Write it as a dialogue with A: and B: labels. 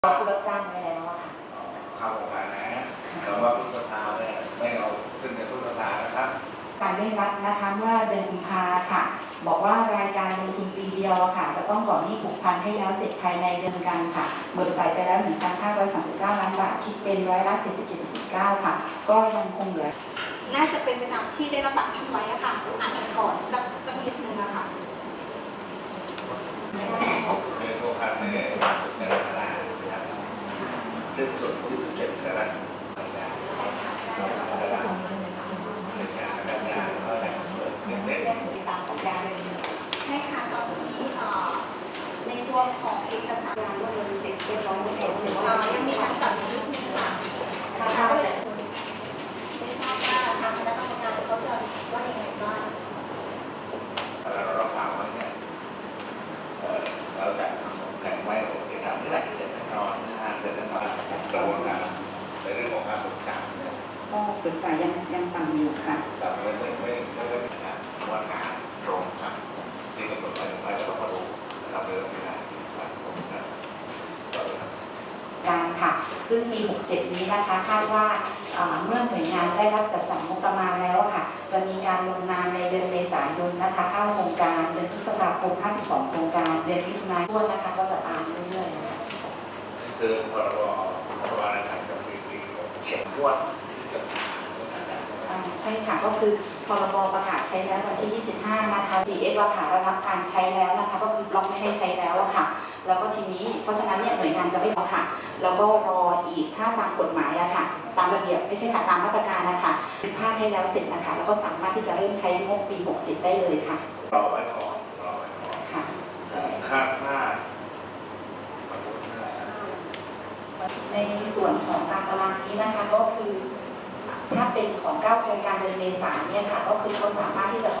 A: ผู้รับจ้างไว้แล้วอะค่ะ
B: เข้าโครงการนะแต่ว่าพฤษภาเนี่ยไม่เอาขึ้นในพฤษภานะครับ
A: การเร่งรัดนะคะเมื่อเดือนกุมภาค่ะบอกว่ารายการลงทุนปีเดียวค่ะจะต้องก่อนหนี้ผูกพันให้แล้วเสร็จภายในเดือนกันค่ะเบิกจ่ายไปแล้ว 1,539 ล้านบาทคิดเป็น77.9%ค่ะก็ยังคงเหลือ
C: น่าจะเป็นไปตามที่ได้รับปากท่านไว้อะค่ะอ่านก่อนสักนิดนึงอะค่ะ
B: ในโครงการเนี่ย30กรกฎาคมนะครับสิ้นสุด27กรกฎาคมเสร็จงานกันยาก็จะเปิดเด็ก
C: ตามสัญญาเลยใช่ค่ะตอนนี้ในตัวของเอกสารว่าเราเสร็จเรียบร้อยแล้วยังมีการปรับนิดนึงค่ะก็เลยไม่ทราบว่าทางคณะกรรมการเขาจะว่ายังไงบ้าง
B: เรารับฟังไว้เนี่ยเราจะแข่งไว้โอเคทำได้เสร็จแน่นอนเสร็จแน่นอนกระบวนการในเรื่องของการบริการเนี่ย
A: ก็เบิกจ่ายยังต่ำอยู่ค่ะ
B: แต่ไม่ได้การว่าหาตรงครับที่กำหนดไปก็ต้องมาดูนะครับเรื่องเวลาที่ผ่านผมนะ
A: การค่ะซึ่งปี 67 นี้นะคะคาดว่าเมื่อหน่วยงานได้รับจัดสรรงบประมาณแล้วค่ะจะมีการลงนามในเดือนเมษายนนะคะเข้าโครงการเดือนพฤษภาคม52โครงการเดือนมิถุนายนนะคะก็จะตามเรื่อยๆนะคะ
B: คือพรบอะไรทางกับปีเขียนงวดที่จะ
A: ใช่ค่ะก็คือพรบประกาศใช้แล้ววันที่ 25 นะคะ GX ราคาระงับการใช้แล้วนะคะก็คือบล็อกไม่ให้ใช้แล้วอะค่ะแล้วก็ทีนี้เพราะฉะนั้นเนี่ยหน่วยงานจะไม่เอาค่ะแล้วก็รออีกถ้าตามกฎหมายอะค่ะตามระเบียบไม่ใช่ค่ะตามมาตรการนะคะถ้าให้แล้วเสร็จนะคะแล้วก็สามารถที่จะเริ่มใช้งบปี 67 ได้เลยค่ะ
B: รอไว้ก่อน
A: ค่ะ
B: คาดว่า
A: ในส่วนของตามตารางนี้นะคะก็คือถ้าเป็นของ9โครงการเดือนเมษายนเนี่ยค่ะก็คือเขาสามารถที่จะ